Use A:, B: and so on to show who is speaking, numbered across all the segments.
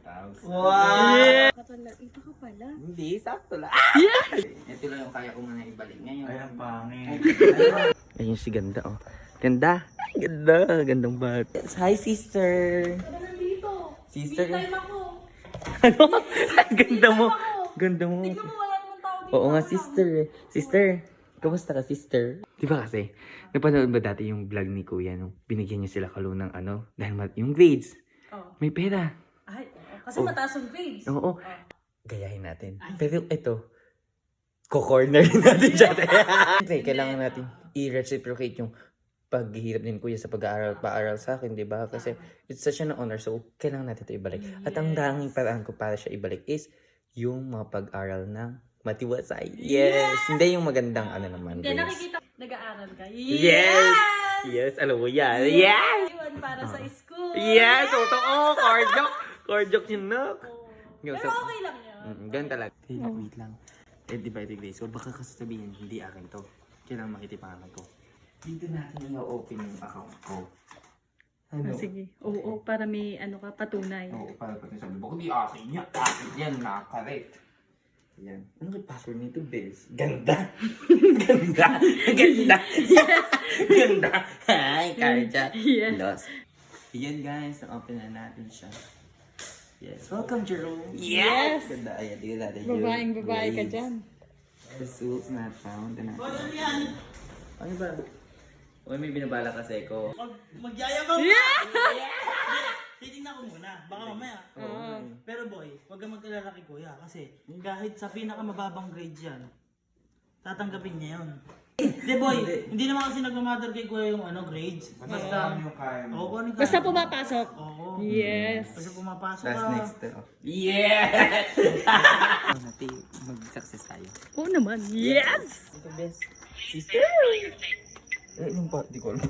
A: house.
B: Wow!
C: Iba ka pala.
A: Hindi, sakto lang. Ito lang yung kaya ko muna ibalik ngayon.
B: Ay, ang pangit.
A: Ayun si ganda, oh. Ganda. Ay, ganda. Gandang bata. Hi, sister.
C: Ano nandito?
A: Sister.
C: Me time ako.
A: Ano? Ganda mo. Ganda mo.
C: Tignan mo, wala naman tao dito.
A: Oo nga,
C: Ako lang.
A: sister. Sister, kamusta ka, sister? Di ba kasi, napanood ba dati yung vlog ni Kuya nung binigyan niya sila Kalu ng ano? Dahil yung grades.
C: Oh.
A: May pera.
C: Ay, oo. Kasi
A: Oh.
C: mataas yung grades.
A: Oo. Gayahin natin. Pero ito, ko-corner natin siya. Siyempre, kailangan natin i-reciprocate yung paghihirap din Kuya sa pag-aaral sa akin, di ba? Kasi it's such an honor, so kailangan natin ito ibalik. At ang tanging paraan ko para siya ibalik is yung mga pag-aral ng matiwasay. Yes! Hindi yung magandang ano naman.
C: Hindi,
A: grades.
C: nakikita nag-aaral ka.
A: Yes! Yes, alam mo yan. Yes!
C: Iwan para sa school.
A: Yes! Totoo! Kardok! Kardok yun, no?
C: Pero okay lang yun.
A: Ganun talaga. Wait lang. Eh, di ba ito grades ko? Baka kasi sabihin, hindi akin to. Kailangan makita yung pangalan ko. Dito natin i-open yung account ko. Ano?
C: Sige. Oo, para may ano ka, patunay.
A: Oo, para pati sabi, baka di akin yan. Akin yan, nakakarek. Yan. Ano yung password nito, Bills? Ganda! Ganda! Ganda! Ganda! Hi, Karja!
C: Yes.
A: Lost. Yan guys, na-open na natin siya. Yes. Welcome, Jerome! Yes! Ganda. Ayan, tingnan natin.
C: Babaeng babae ka
A: Grades.
C: dyan.
A: Results not found. Ano ba? Uy, may binabala kasi ko.
B: Magyayabang ka! Titingnan ko muna, baka mamaya.
C: Oo.
B: Pero boy, huwag kang mag-alala kay Kuya kasi kahit sa pinakamababang grade yan, tatanggapin niya yun. Hindi boy, hindi naman kasi nagmamatter kay Kuya yung ano grades. Basta, oo, kung ano yung
C: Basta
B: kaya mo.
C: pumapasok.
B: Oo.
C: Yes.
B: Basta pumapasok
A: Last
B: ka.
A: next to. Yes! Natin, mag-success tayo.
C: Oo naman. Yes!
A: Ito best. Sister! Eh, yung pa, di ko alam.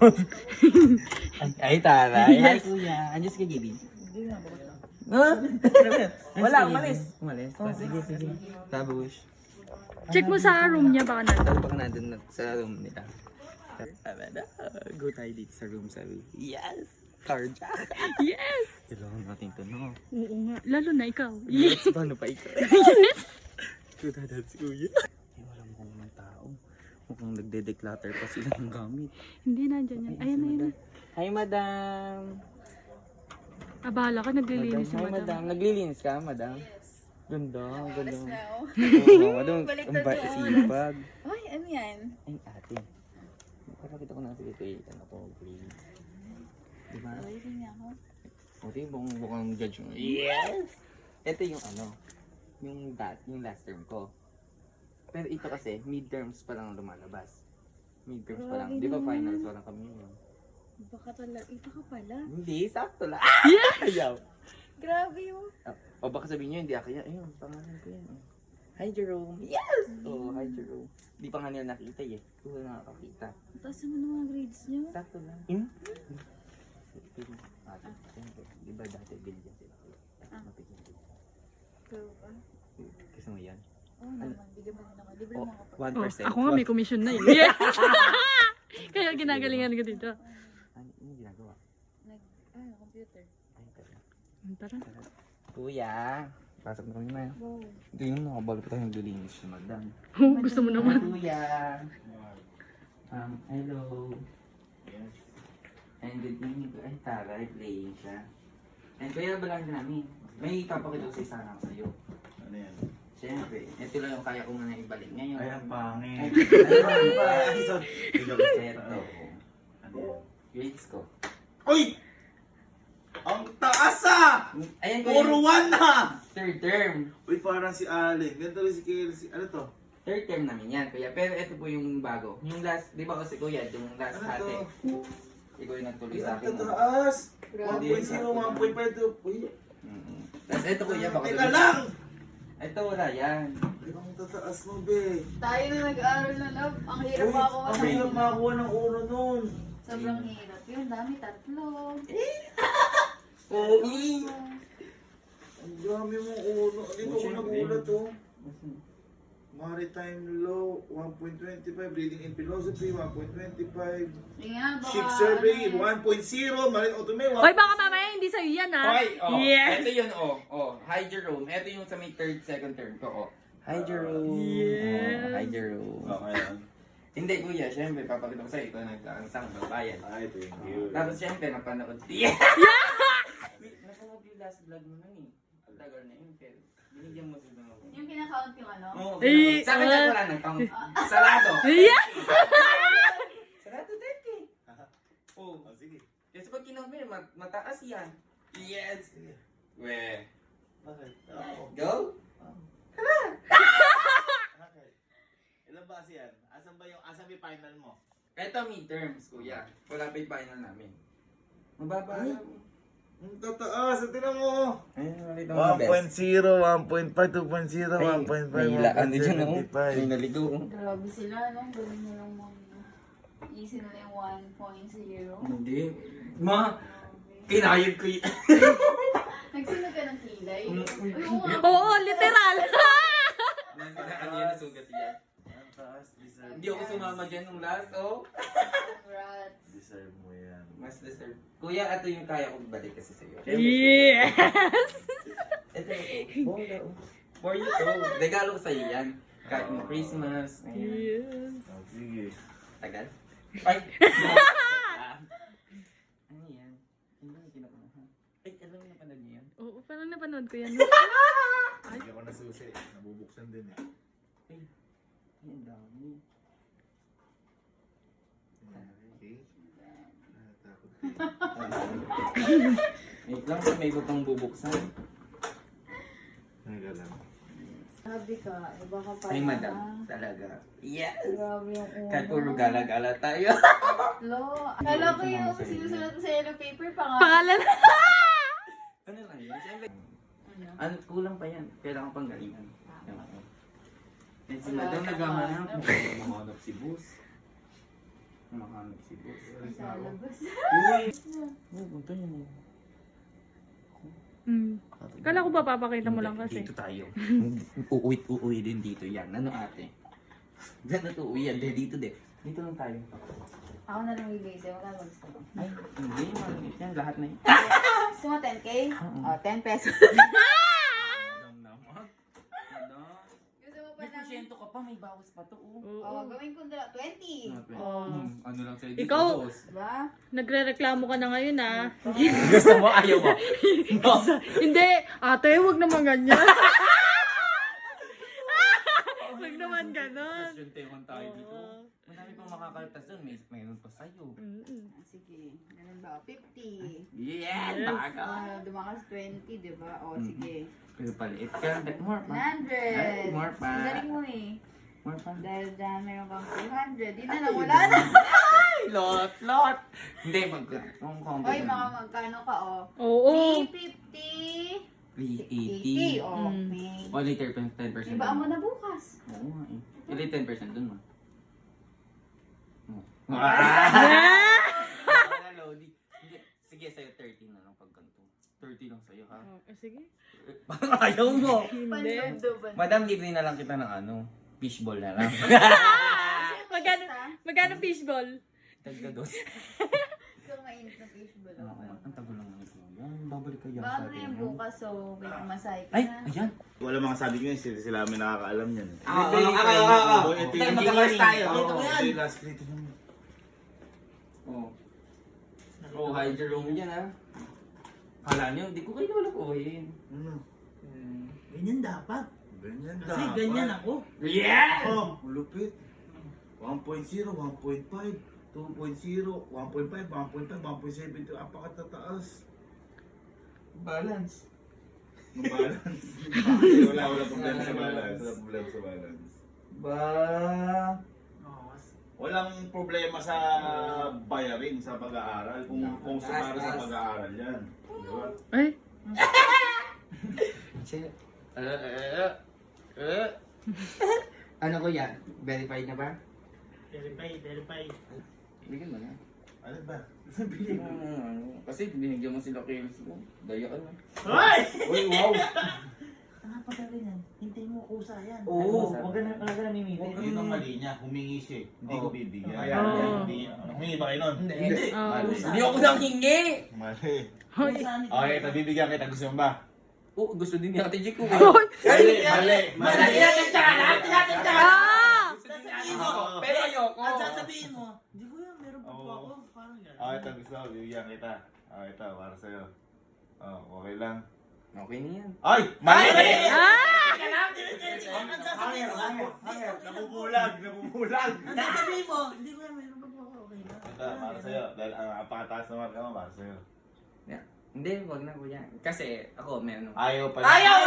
A: ay, taray. Hi, kuya. Andiyan ka, Gibi? Hindi na, bakit lang. Wala, umalis. Umalis? Oh, sige, sige. Tabush.
C: Check mo sa room niya baka nandun.
A: Baka nandun na sa room nila. Go tayo dito sa room, sabi. Yes! Carjack!
C: Yes!
A: Kailangan natin ito, no?
C: Oo nga. Lalo na ikaw.
A: Yes!
C: Yes!
A: Paano pa ikaw? Kuya, dad si kuya. Ay, wala mo kung naman tao. Mukhang nagde-declutter pa sila ng gamit.
C: Hindi nandiyan yan. Ayan na yun.
A: Hi, madam!
C: Abala ka, naglilinis si
A: Hi,
C: madam.
A: madam. Naglilinis ka, madam? Ganda, ganda.
D: now.
A: Oo, madam.
D: Baliktad
A: Ang
D: yun.
A: sipag.
D: Ay, ano yan?
A: Ay, ate. Pakita ko na sa ito eh. Ano ko, please. Diba?
D: Waiting niya ako.
A: Ito yung bukang judge mo. Yes! Ito yung ano, yung last term ko. Pero ito kasi, midterms pa lang lumalabas. Midterms pa lang. Di ba finals pa lang kami yun?
D: Iba ka pala.
A: Hindi, sakto lang. Ayaw.
D: Grabe yun.
A: O baka sabihin nyo, hindi ako yan. Ayun, pangalan ko yan. Hi, Jerome. Yes! Oh, hi, Jerome. Di pa nga nila nakita eh. Kung nakakakita.
D: Taas naman ng mga grades niyo.
A: Sakto lang. Ate, siyempre. Di ba dati bilyan sila? Mapigyan din.
D: Pero ba?
A: Kasi mo yan?
D: Oo naman. Bigyan mo rin ako. Libre mo ako.
A: 1%.
C: Ako nga may commission na eh. Yes! Kaya ginagalingan ko dito.
A: Ano yung ginagawa?
D: Computer.
A: Ay, tara.
C: Tara.
A: Kuya, pasok na kami na.
D: Wow.
A: Ito yung nakabalo pa tayo naglilinis si madam.
C: Gusto mo naman.
A: Kuya. Hello. Yes. And good evening. Ay, taray, playing siya. And kuya, balang namin. May papakita ko sa isa lang sa'yo.
B: Ano yan?
A: Siyempre, ito lang yung kaya ko muna ibalik ngayon.
B: Ay, ang pangit.
A: Ano ba? Ito.
B: Ano yan?
A: Grades ko.
B: Uy! Ang taas ah!
A: Ayan ko
B: Puro
A: yung
B: 1 na!
A: third term.
B: Uy, parang si Allen. Ganito rin si Kelsey. Ano to?
A: Third term namin yan, kuya. Pero ito po yung bago. Yung last, di ba kasi kuya, yung last
B: Ano
A: hati.
B: to?
A: Ikaw yung nagtuloy sa
B: Ang
A: akin.
B: tataas!
A: Grabe.
B: 1.0, 1.5. Uy,
A: Tapos ito kuya, baka
B: teka lang!
A: ito wala yan.
B: Ang tataas mo, be.
D: Tayo na nag-aaral na love. Ang hirap
B: Uy,
D: ako.
B: ang hirap makakuha ng uno nun.
D: Sobrang hirap yun. Dami, tatlo.
B: Ang dami mong uno. Dito ko nagulat, oh.
E: Maritime law, 1.25. Reading in philosophy, 1.25.
D: Yun nga, baka...
E: Ship survey,
D: ano,
E: 1.0. Marine automate,
C: Hoy, baka mamaya hindi sa'yo yan, ha?
A: Hoy, oh.
C: Yes.
A: Ito yun, oh. Oh, hi Jerome. Ito yung sa may second term ko, oh. Hi Jerome.
C: Yes.
A: Oh, hi Jerome.
E: Okay lang.
A: Hindi kuya, syempre papakita ko sa'yo ito nagkaansang babayan.
E: Ay, thank you.
A: Tapos syempre napanood. Yeah! Wait, napanood yung last vlog mo nun eh. Ang tagal na yun, pero binigyan mo sila ako.
D: Yung kinakount yung ano?
A: Oo,
C: Eh,
A: sa akin wala nang pang sarado.
C: Yeah.
A: Sarado 30. Oh,
E: Oh, sige.
A: kasi pag kinamay, mataas yan. Yes.
E: Sige.
A: We,
E: Okay. Oo.
A: go?
E: Okay. Ilan ba kasi yan? Asan ba yung final mo?
A: Ito midterms, kuya. Wala pa yung final namin. Mababa
E: Ay.
A: lang.
E: Ang tataas, tingnan mo.
A: Ayun, ulit ang mga best.
E: 1.0, 1.5, 2.0, 1.5,
A: May ilaan din dyan, oh. May
E: 1.75.
A: naligo.
D: Grabe sila, no? Galing nyo lang mag... Easy nila yung 1.0.
A: Hindi. Ma, kinayod ko yun.
D: Nagsunod ka ng kilay?
A: Mm.
D: Uy, oo nga.
C: Oo, literal.
A: Ano yan, nasugat yan.
E: Ang taas, deserve.
A: Hindi ako sumama dyan nung last, oh.
D: Congrats.
E: Deserve mo yan.
A: Mas deserve. Kuya, ito yung kaya kong balik kasi sa'yo.
C: Yes.
A: Ito. Bola, oh. For you to. Regalo ko sa'yo yan. Kahit mo Christmas. Ayan.
C: Yes.
E: Oh, sige.
A: Tagal. Ay! Ano yan? Hindi mo kinukuha. Ay, alam mo na panood niyo yan?
C: Oo, parang napanood ko yan.
E: Hindi ako nasusi. Nabubuksan din eh.
A: Ay, ang dami.
E: Okay. Takot.
A: Wait lang, may iba pang bubuksan.
E: Teka lang.
D: Sabi ka, iba ka pa.
A: Ay, madam. Talaga. Yes!
D: Grabe yung uno.
A: Kahit puro gala-gala tayo.
D: Lo. Kala ko yung sinusulat mo sa yellow paper,
C: Pangalan.
A: Ano lang yun? Siyempre,
D: Ano?
A: ano, kulang pa yan. Kailangan pang galingan. Eh, si
D: Wala
A: madam
D: ka
A: naghahanap.
D: pa.
A: Nakahanap si boss. Nakahanap si boss.
D: Sa labas.
A: Uy! Uy, punta yun.
C: Hmm. Kala ko ba papakita mo lang kasi.
A: Dito tayo. Uuwi din dito yan. Ano ate? Diyan na to uwi yan. Dito de. Dito lang tayo.
D: Ako na lang bibigay sa'yo. Wala mag gusto mo.
A: Ay, hindi. Maliit yan. Lahat na yun.
D: Gusto mo 10K? O, 10 pesos.
A: Madam naman. Madam.
D: Gusto mo pa
A: May
D: ng...
A: porsyento ka pa. May bawas pa to. Oh.
D: O, gawin ko 20.
A: Ano lang sa'yo dito,
C: Ikaw-
A: boss?
D: Diba?
C: Nagre-reklamo ka na ngayon, ha?
A: Gusto mo? Ayaw mo?
C: Hindi. Ate, wag naman ganyan. Wag naman ganon.
A: Porsyento tayo dito. Madami pang makakaltas doon. Mayroon pa sa'yo.
D: Sige. Ganun ba? 50.
A: Yeah!
C: Yes.
A: Baga!
D: Dumakas 20, diba? O, sige.
A: Pero paliit ka. More pa.
D: 100.
A: More pa.
D: Ang galing mo eh.
A: More pa.
D: Dahil dyan meron kang 200. Di na lang, wala na.
A: Ay, lot! Hindi, kung combo
D: Oy, mga magkano ka, o?
C: Oo.
D: 350.
A: 380.
D: 80. O,
C: Mm.
D: may...
A: O, later, 10%.
D: Iba mo na bukas.
A: Oo nga eh. Ili 10% dun ma. Lodi. Hindi. Sige, sa'yo 30 na lang pag ganito. 30 lang sa'yo ha.
C: Sige.
A: Ayaw mo.
C: Hindi.
D: Panudo ba?
A: Madam, libre na lang kita ng ano. Fishball na lang.
C: Magkano fishball?
A: Tagda dos.
D: Gusto mo mainit na fishball.
A: Oo, ang tagal lang naman ito. Yan, babalik ka yan
D: Baka
A: sa
D: na
A: atin.
D: yung
A: no?
D: bukas, so may kumasay ka
A: Ay,
D: na.
A: ayan.
E: Wala mga sabi ko yun, sila kami nakakaalam yan.
A: Oo.
E: Ito
A: Tayo,
E: yung
A: magkakas tayo.
E: Oo,
A: Ito yan.
E: ito yung last plate naman.
A: Oh. Oh, hi Jerome dyan ha. Kala niyo, di ko kayo lulukuhin.
E: Ano?
B: Ganyan dapat.
E: Ganyan
B: Kasi
E: dapat.
B: ganyan ako.
A: Yes!
E: Oh, ulupit. 1.0, 1.5, 2.0, 1.5, 1.5, 1.7, apakatataas.
A: Balance.
E: Mabalance. wala problema sa balance. Wala problema sa balance.
A: Ba...
B: Oo,
E: Walang problema sa bayarin sa pag-aaral. Kung sa para sa pag-aaral yan. Di ba?
C: Ay.
A: Ano ko yan? Verified na ba?
B: verify.
A: Bigyan mo na.
E: Ano ba?
A: Kasi binigyan mo sila kills mo. Daya ka na.
B: Hoy!
A: Uy, wow!
B: pagka ganyan, hintayin mo kusa yan.
A: Oo.
B: Huwag ka na mimili.
E: Yun ang mali niya, humingi siya. Hindi ko bibigyan.
A: Kaya,
E: Humingi ba kayo nun?
A: Hindi.
E: Mali.
A: Hindi ako nang hingi.
E: Mali.
B: Kusa ni
E: Okay, ito bibigyan kita. Gusto mo ba?
A: Oo, gusto din ni Ate Jake ko.
E: Mali, mali, mali.
C: Ah!
B: Sasabihin mo,
A: Pero ayoko.
B: at sasabihin mo, hindi ko yan, meron pa po ako. Parang gano'n.
E: Okay, ito gusto ko. Bibigyan kita. Okay, ito. Para sa'yo. Oh, okay lang.
A: Okay na yan.
E: Ay! Mali!
C: Ah!
B: Ang sasabihin mo,
E: Nabubulag! Nabubulag!
B: ang sasabihin mo, hindi ko yan, meron pa po ako. Okay lang.
E: Ito, para sa'yo. Dahil ang napakataas na marka mo, para sa'yo.
A: Hindi, wag na kuya. Kasi ako, meron.
E: Ayaw pa.
B: Ayaw!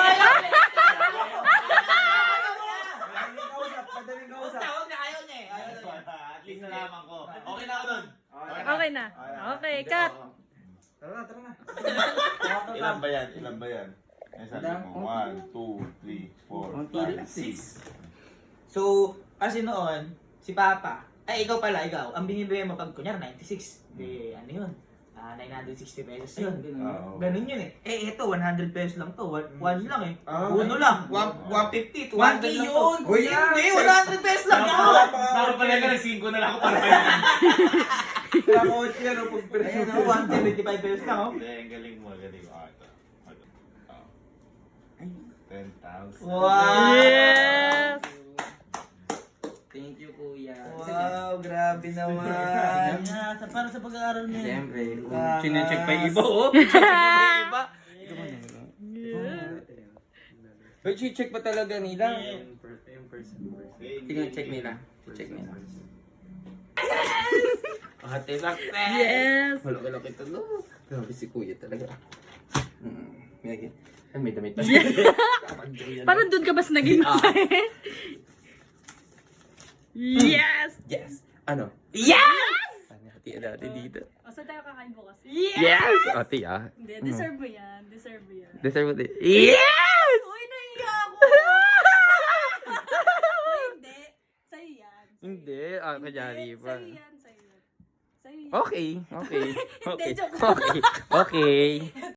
A: Madaling kausap.
B: Tawag na ayaw niya eh.
E: At least nalaman ko. Okay na ako dun.
C: Okay na. Okay, cut.
A: Tara na, tara na.
E: Ilan ba yan? Ilan ba yan? Ay, sabi mo, 1, 2, 3, 4, 5, 6.
B: So, kasi noon, si Papa, ay ikaw pala, ikaw, ang binibigay mo pag kunyar 96, ano yun? 960 pesos yun.
E: Oo.
B: Ganun yun eh. Eh, ito, 100 pesos lang to. 1 lang eh.
A: Ah.
B: Uno lang. 150, 200 lang to.
A: yun! Kuya!
B: Hindi, 100 pesos lang yun!
E: Nakapalay ka ng 5 na lang ako para kayo.
A: Nakakawat yan o pag
B: Ayan o, 175 pesos lang oh.
E: Hindi, ang galing mo, galing mo. Ito. Oh. 10,000.
B: Wow!
C: Yes!
A: Thank you, kuya.
B: Wow, grabe naman. Yeah, para sa pag-aaral mo yun.
A: Siyempre.
B: Ah,
A: Sinecheck pa yung iba,
B: nice.
A: oh. Sinecheck pa yung iba.
C: Yeah.
A: But check pa talaga nila.
E: Okay,
A: Tingnan, check nila. Check nila. Ate Success!
C: Yes!
A: Malaki-laki ito, no? Grabe si kuya talaga. May damit pa.
C: Parang doon ka bas naging Yes!
A: Yes! Ano?
C: Yes!
A: Ate, ate dito.
C: O, saan tayo kakain bukas?
A: Yes! Ate, ah.
C: Hindi, deserve mo yan. Deserve mo yan.
A: Deserve mo din. Yes!
C: Uy, nahiya ako! Uy, hindi. Sa'yo yan.
A: Hindi. Ah, kanyari pa.
C: Sa'yo yan, sa'yo yan. Sa'yo yan.
A: Okay. Okay. Okay.
C: Hindi, joke.
A: Okay. Okay.